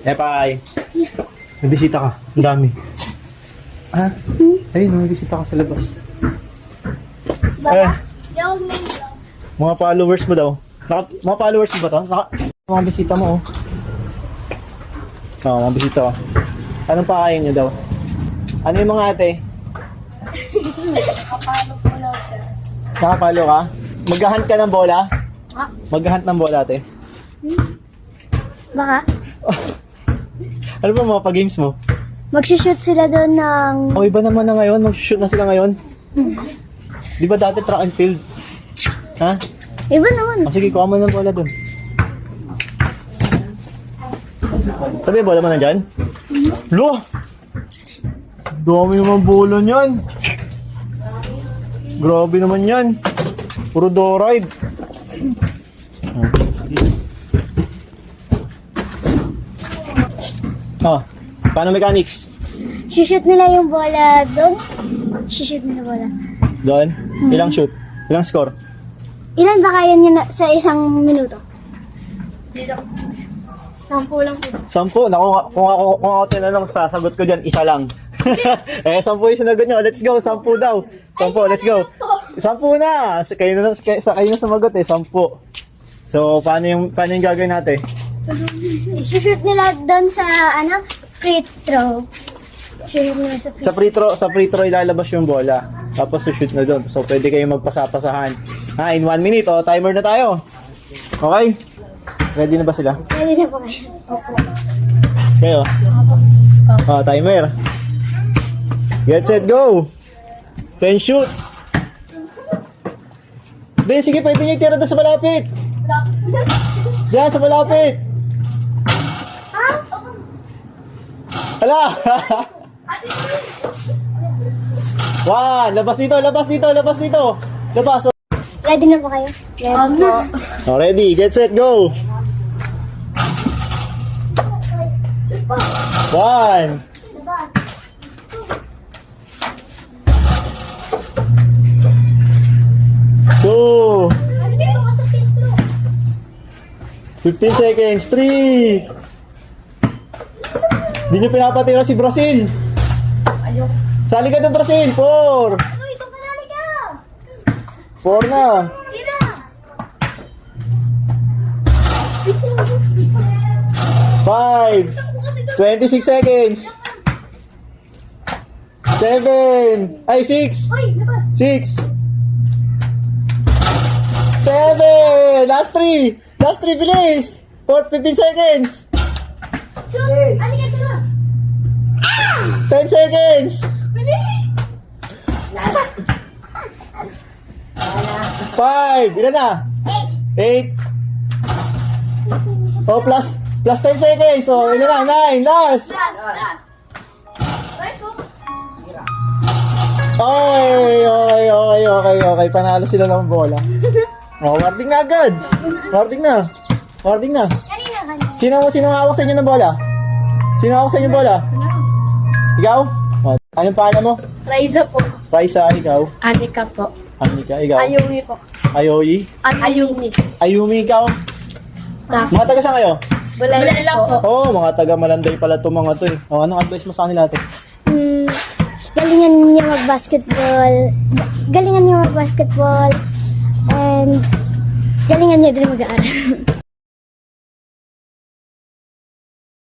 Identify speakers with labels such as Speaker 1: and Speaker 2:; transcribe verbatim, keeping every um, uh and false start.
Speaker 1: Epay. May bisita ka. Ang dami. Ha? Ayun, may bisita ka sa labas. Eh,
Speaker 2: Yung mga
Speaker 1: mga followers mo daw. Naka, mga followers mo ba to? Naka, mga bisita mo, oh. Oo, mga bisita, oh. Anong pakain nyo daw? Ano yung mga ate?
Speaker 2: kapalo po lang siya.
Speaker 1: Nakapalo ka? Maghahunt ka ng bola?
Speaker 2: Ha?
Speaker 1: Maghahunt ng bola, ate?
Speaker 2: Baka?
Speaker 1: Ano ba mga pa-games mo?
Speaker 2: Magsishoot sila doon ng...
Speaker 1: O, iba naman na ngayon. Mag-shoot na sila ngayon. Di ba dati track and field? Ha?
Speaker 2: Iba naman.
Speaker 1: O, sige, kuha mo ng bola dun. Sabi, bola mo na dyan? Lo! Dami naman bola niyan. Grabe naman yan. Puro do-ride. Oh, paano mechanics?
Speaker 2: Sishoot nila yung bola doon. Sishoot nila bola.
Speaker 1: Doon? Ilang shoot? Ilang score?
Speaker 2: Ilan ba kaya niya na, sa isang minuto? Dito. Sampu lang po.
Speaker 1: Sampu. Naku, kung ako, kung ako tinanong, sasagot ko dyan, isa lang. eh, sampu yung sinagot nyo. Let's go, sampu daw. Sampu, let's go. Sampu na. Sa- Kayo na, kayo, sa- kayo na sumagot eh, sampu. So, paano yung, paano yung gagawin natin?
Speaker 2: Sishoot nila doon sa, ano, free throw. Sishoot nila sa free
Speaker 1: Sa free throw, sa free throw ilalabas yung bola. Tapos shoot na doon. So, pwede kayong magpasapasahan. Ha, in one minute, oh, timer na tayo. Okay? Ready na ba sila?
Speaker 2: Pwede na po kayo. Opo.
Speaker 1: Kayo? Ah, timer. Get set, go! Ten shoot! Hindi, sige, pwede nyo itira doon sa malapit. Diyan, sa malapit. Hala! One, labas dito, labas dito, labas dito. Labas.
Speaker 2: Ready na po kayo? Ready po.
Speaker 1: Oh, ready, get set, go! One. Two. Fifteen seconds. Three. Hindi nyo pinapatira si Brazil. Sali ka ng Brazil. Four.
Speaker 2: Uy, ito panali ka!
Speaker 1: Four na.
Speaker 2: Tira!
Speaker 1: Five. Twenty-six seconds. Seven. Ay, six.
Speaker 2: Uy, labas!
Speaker 1: Six. Seven. Last three. Last three, bilis. Four, fifteen seconds.
Speaker 2: Shoot! Ano ka tira?
Speaker 1: Ten seconds.
Speaker 2: Bilis!
Speaker 1: Five. Ilan na? Eight. Oh, plus, plus ten seconds. So, ilan na? Nine. Last. Okay, okay, okay, okay, okay. Panalo sila ng bola. Oh, warding na agad. Warding na. Warding na.
Speaker 2: Kanina kanina.
Speaker 1: Sino sino hawak sa inyo ng bola? Sino hawak sa inyo ng bola? Ikaw? Oh, anong pangalan mo?
Speaker 2: Raiza po.
Speaker 1: Raisa, ikaw.
Speaker 2: Anika po.
Speaker 1: Anika, ikaw.
Speaker 2: Ayumi po.
Speaker 1: Ayoyi.
Speaker 2: Ayumi.
Speaker 1: Ayumi, ikaw. Mga taga saan kayo?
Speaker 2: Bulala po.
Speaker 1: Oo, oh, mga taga Malanday pala itong mga to eh. Oh, anong advice mo sa kanila ate?
Speaker 2: Hmm, galingan niya mag-basketball. Galingan niya mag-basketball. And galingan niya din mag-aaral.